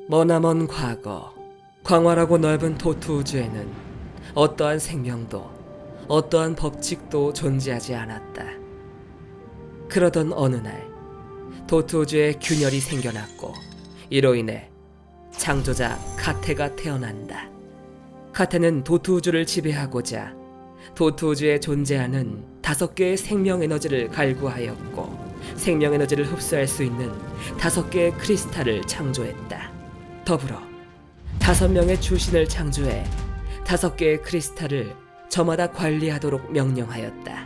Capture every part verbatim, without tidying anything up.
머나먼 과거, 광활하고 넓은 도투 우주에는 어떠한 생명도 어떠한 법칙도 존재하지 않았다. 그러던 어느 날 도투 우주에 균열이 생겨났고 이로 인해 창조자 카테가 태어난다. 카테는 도투 우주를 지배하고자 도투 우주에 존재하는 다섯 개의 생명 에너지를 갈구하였고 생명 에너지를 흡수할 수 있는 다섯 개의 크리스탈을 창조했다. 더불어 다섯 명의 주신을 창조해 다섯 개의 크리스탈을 저마다 관리하도록 명령하였다.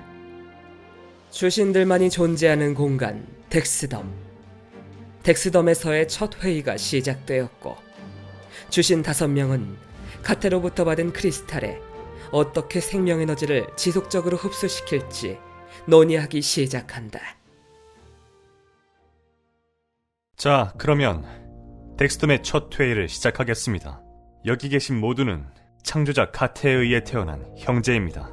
주신들만이 존재하는 공간 덱스덤. 덱스덤에서의 첫 회의가 시작되었고 주신 다섯 명은 카테로부터 받은 크리스탈에 어떻게 생명 에너지를 지속적으로 흡수시킬지 논의하기 시작한다. 자, 그러면 덱스덤의 첫 회의를 시작하겠습니다. 여기 계신 모두는 창조자 카테에 의해 태어난 형제입니다.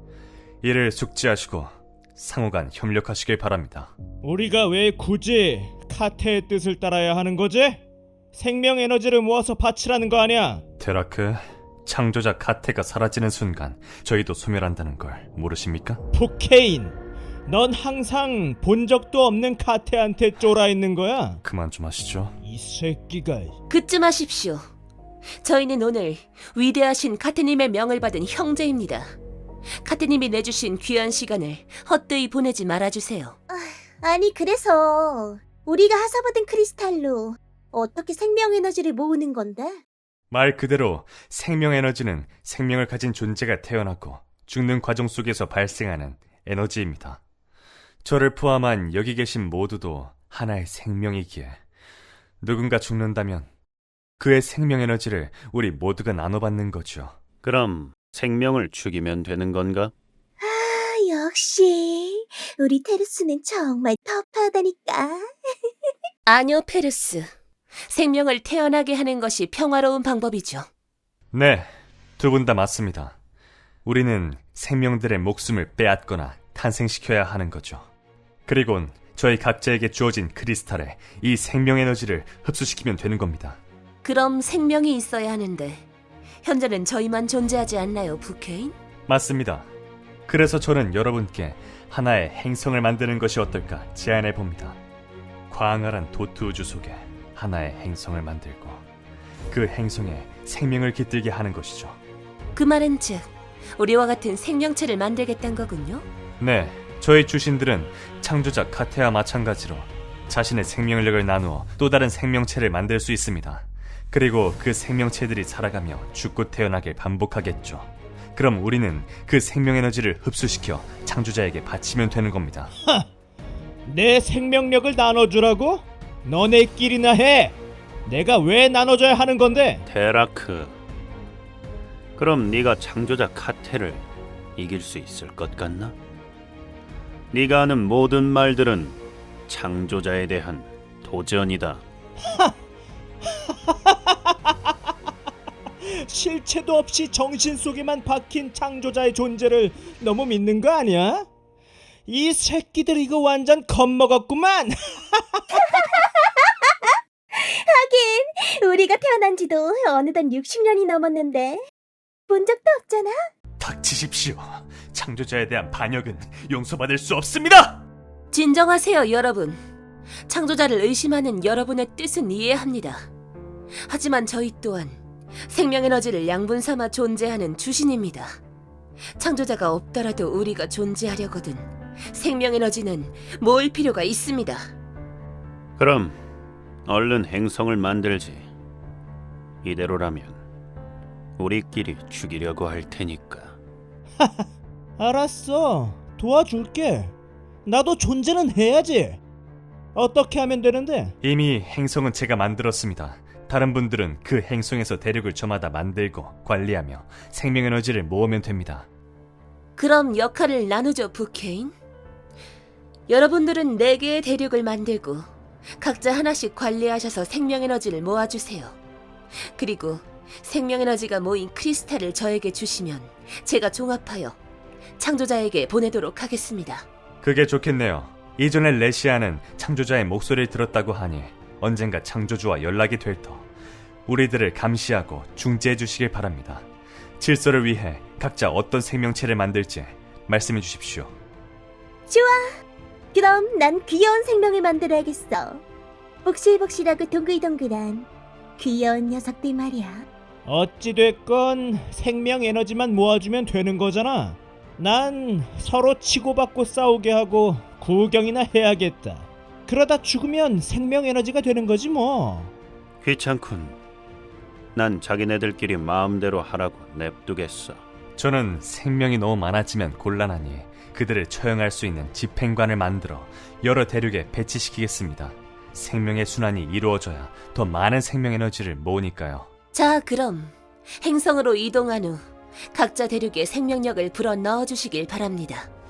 이를 숙지하시고 상호간 협력하시길 바랍니다. 우리가 왜 굳이 카테의 뜻을 따라야 하는 거지? 생명 에너지를 모아서 바치라는 거 아니야? 테라크, 창조자 카테가 사라지는 순간 저희도 소멸한다는 걸 모르십니까? 포케인, 넌 항상 본 적도 없는 카테한테 쫄아 있는 거야? 그만 좀 하시죠. 이 새끼가... 그쯤 하십시오. 저희는 오늘 위대하신 카테님의 명을 받은 형제입니다. 카테님이 내주신 귀한 시간을 헛되이 보내지 말아주세요. 아니 그래서 우리가 하사받은 크리스탈로 어떻게 생명 에너지를 모으는 건데? 말 그대로 생명 에너지는 생명을 가진 존재가 태어나고 죽는 과정 속에서 발생하는 에너지입니다. 저를 포함한 여기 계신 모두도 하나의 생명이기에 누군가 죽는다면 그의 생명 에너지를 우리 모두가 나눠받는 거죠. 그럼 생명을 죽이면 되는 건가? 아, 역시 우리 테르스는 정말 터프하다니까. 아니요, 페르스. 생명을 태어나게 하는 것이 평화로운 방법이죠. 네, 두 분 다 맞습니다. 우리는 생명들의 목숨을 빼앗거나 탄생시켜야 하는 거죠. 그리곤 저희 각자에게 주어진 크리스탈에 이 생명 에너지를 흡수시키면 되는 겁니다. 그럼 생명이 있어야 하는데 현재는 저희만 존재하지 않나요, 부케인? 맞습니다. 그래서 저는 여러분께 하나의 행성을 만드는 것이 어떨까 제안해 봅니다. 광활한 도트 우주 속에 하나의 행성을 만들고 그 행성에 생명을 깃들게 하는 것이죠. 그 말은 즉 우리와 같은 생명체를 만들겠다는 거군요? 네, 저희 주신들은 창조자 카테와 마찬가지로 자신의 생명력을 나누어 또 다른 생명체를 만들 수 있습니다. 그리고 그 생명체들이 살아가며 죽고 태어나길 반복하겠죠. 그럼 우리는 그 생명 에너지를 흡수시켜 창조자에게 바치면 되는 겁니다. 하! 내 생명력을 나눠주라고? 너네끼리나 해! 내가 왜 나눠줘야 하는 건데? 테라크, 그럼 네가 창조자 카테를 이길 수 있을 것 같나? 네가 하는 모든 말들은 창조자에 대한 도전이다. 실체도 없이 정신 속에만 박힌 창조자의 존재를 너무 믿는 거 아니야? 이 새끼들 이거 완전 겁먹었구만. 하긴 우리가 태어난 지도 어느덧 육십 년이 넘었는데 본 적도 없잖아. 닥치십시오. 창조자에 대한 반역은 용서받을 수 없습니다. 진정하세요, 여러분. 창조자를 의심하는 여러분의 뜻은 이해합니다. 하지만 저희 또한 생명 에너지를 양분 삼아 존재하는 주신입니다. 창조자가 없더라도 우리가 존재하려거든 생명 에너지는 모을 필요가 있습니다. 그럼 얼른 행성을 만들지. 이대로라면 우리끼리 죽이려고 할 테니까. 알았어, 도와줄게. 나도 존재는 해야지. 어떻게 하면 되는데? 이미 행성은 제가 만들었습니다. 다른 분들은 그 행성에서 대륙을 저마다 만들고 관리하며 생명 에너지를 모으면 됩니다. 그럼 역할을 나누죠, 부케인. 여러분들은 네 개의 대륙을 만들고 각자 하나씩 관리하셔서 생명 에너지를 모아주세요. 그리고 생명 에너지가 모인 크리스탈을 저에게 주시면 제가 종합하여 창조자에게 보내도록 하겠습니다. 그게 좋겠네요. 이전에 레시아는 창조자의 목소리를 들었다고 하니 언젠가 창조주와 연락이 될 터. 우리들을 감시하고 중재해 주시길 바랍니다. 질서를 위해 각자 어떤 생명체를 만들지 말씀해 주십시오. 좋아. 그럼 난 귀여운 생명을 만들어야겠어. 복실복실하고 동글동글한 귀여운 녀석들 말이야. 어찌됐건 생명 에너지만 모아주면 되는 거잖아. 난 서로 치고받고 싸우게 하고 구경이나 해야겠다. 그러다 죽으면 생명 에너지가 되는 거지 뭐. 귀찮군. 난 자기네들끼리 마음대로 하라고 냅두겠어. 저는 생명이 너무 많아지면 곤란하니 그들을 처형할 수 있는 집행관을 만들어 여러 대륙에 배치시키겠습니다. 생명의 순환이 이루어져야 더 많은 생명 에너지를 모으니까요. 자, 그럼 행성으로 이동한 후 각자 대륙에 생명력을 불어 넣어 주시길 바랍니다.